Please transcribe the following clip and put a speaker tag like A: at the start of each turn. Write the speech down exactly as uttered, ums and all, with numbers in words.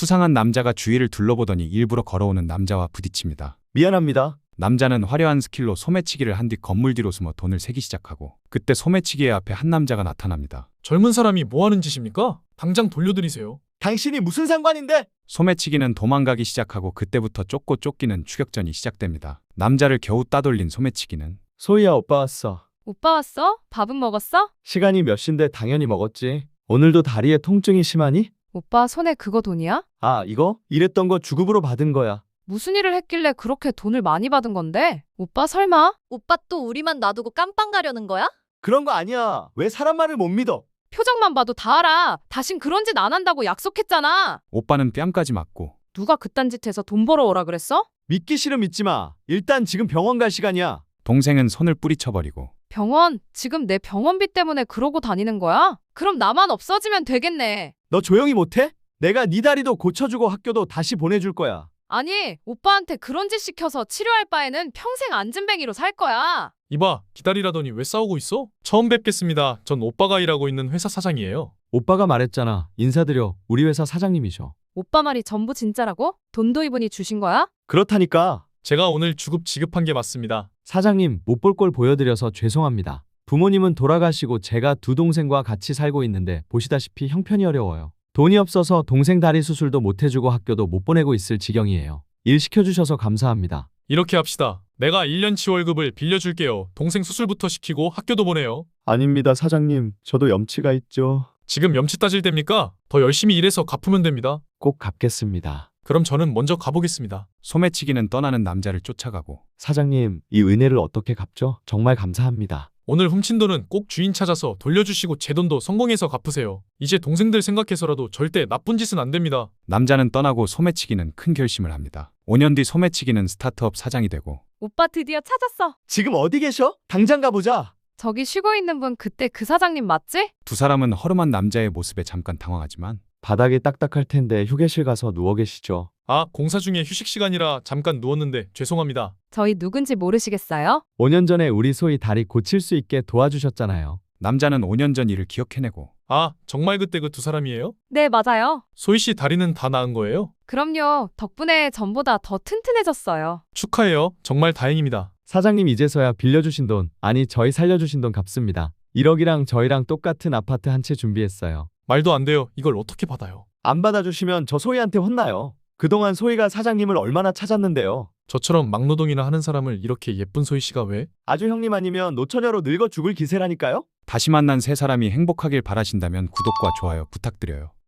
A: 수상한 남자가 주위를 둘러보더니 일부러 걸어오는 남자와 부딪힙니다.
B: 미안합니다.
A: 남자는 화려한 스킬로 소매치기를 한 뒤 건물 뒤로 숨어 돈을 세기 시작하고, 그때 소매치기의 앞에 한 남자가 나타납니다.
C: 젊은 사람이 뭐 하는 짓입니까? 당장 돌려드리세요.
B: 당신이 무슨 상관인데?
A: 소매치기는 도망가기 시작하고 그때부터 쫓고 쫓기는 추격전이 시작됩니다. 남자를 겨우 따돌린 소매치기는
B: 소희야, 오빠 왔어.
D: 오빠 왔어? 밥은 먹었어?
B: 시간이 몇 시인데 당연히 먹었지. 오늘도 다리에 통증이 심하니?
D: 오빠 손에 그거 돈이야?
B: 아, 이거? 일했던 거 주급으로 받은 거야.
D: 무슨 일을 했길래 그렇게 돈을 많이 받은 건데? 오빠 설마?
E: 오빠 또 우리만 놔두고 깜빵 가려는 거야?
B: 그런 거 아니야. 왜 사람 말을 못 믿어?
D: 표정만 봐도 다 알아. 다신 그런 짓 안 한다고 약속했잖아.
A: 오빠는 뺨까지 맞고,
D: 누가 그딴 짓 해서 돈 벌어오라 그랬어?
B: 믿기 싫으면 믿지 마. 일단 지금 병원 갈 시간이야.
A: 동생은 손을 뿌리쳐버리고,
D: 병원? 지금 내 병원비 때문에 그러고 다니는 거야? 그럼 나만 없어지면 되겠네.
B: 너 조용히 못해? 내가 네 다리도 고쳐주고 학교도 다시 보내줄 거야.
D: 아니, 오빠한테 그런 짓 시켜서 치료할 바에는 평생 안진뱅이로 살 거야.
C: 이봐, 기다리라더니 왜 싸우고 있어? 처음 뵙겠습니다. 전 오빠가 일하고 있는 회사 사장이에요.
B: 오빠가 말했잖아. 인사드려. 우리 회사 사장님이셔.
D: 오빠 말이 전부 진짜라고? 돈도 이분이 주신 거야?
B: 그렇다니까.
C: 제가 오늘 주급 지급한 게 맞습니다.
B: 사장님, 못 볼 걸 보여드려서 죄송합니다. 부모님은 돌아가시고 제가 두 동생과 같이 살고 있는데 보시다시피 형편이 어려워요. 돈이 없어서 동생 다리 수술도 못 해주고 학교도 못 보내고 있을 지경이에요. 일 시켜주셔서 감사합니다.
C: 이렇게 합시다. 내가 일 년치 월급을 빌려줄게요. 동생 수술부터 시키고 학교도 보내요.
B: 아닙니다, 사장님. 저도 염치가 있죠.
C: 지금 염치 따질 때입니까? 더 열심히 일해서 갚으면 됩니다.
B: 꼭 갚겠습니다.
C: 그럼 저는 먼저 가보겠습니다.
A: 소매치기는 떠나는 남자를 쫓아가고,
B: 사장님, 이 은혜를 어떻게 갚죠? 정말 감사합니다.
C: 오늘 훔친 돈은 꼭 주인 찾아서 돌려주시고 제 돈도 성공해서 갚으세요. 이제 동생들 생각해서라도 절대 나쁜 짓은 안 됩니다.
A: 남자는 떠나고 소매치기는 큰 결심을 합니다. 오 년 뒤 소매치기는 스타트업 사장이 되고,
D: 오빠 드디어 찾았어.
B: 지금 어디 계셔? 당장 가보자.
D: 저기 쉬고 있는 분 그때 그 사장님 맞지?
A: 두 사람은 허름한 남자의 모습에 잠깐 당황하지만,
B: 바닥이 딱딱할 텐데 휴게실 가서 누워 계시죠.
C: 아, 공사 중에 휴식 시간이라 잠깐 누웠는데 죄송합니다.
D: 저희 누군지 모르시겠어요?
B: 오 년 전에 우리 소희 다리 고칠 수 있게 도와주셨잖아요.
A: 남자는 오 년 전 일을 기억해내고,
C: 아, 정말 그때 그 두 사람이에요?
D: 네, 맞아요.
C: 소희 씨 다리는 다 나은 거예요?
D: 그럼요. 덕분에 전보다 더 튼튼해졌어요.
C: 축하해요. 정말 다행입니다.
B: 사장님, 이제서야 빌려주신 돈, 아니 저희 살려주신 돈 갚습니다. 일억이랑 저희랑 똑같은 아파트 한 채 준비했어요.
C: 말도 안 돼요. 이걸 어떻게 받아요?
B: 안 받아주시면 저 소희한테 혼나요. 그동안 소희가 사장님을 얼마나 찾았는데요.
C: 저처럼 막노동이나 하는 사람을 이렇게 예쁜 소희 씨가 왜?
B: 아주 형님 아니면 노처녀로 늙어 죽을 기세라니까요.
A: 다시 만난 세 사람이 행복하길 바라신다면 구독과 좋아요 부탁드려요.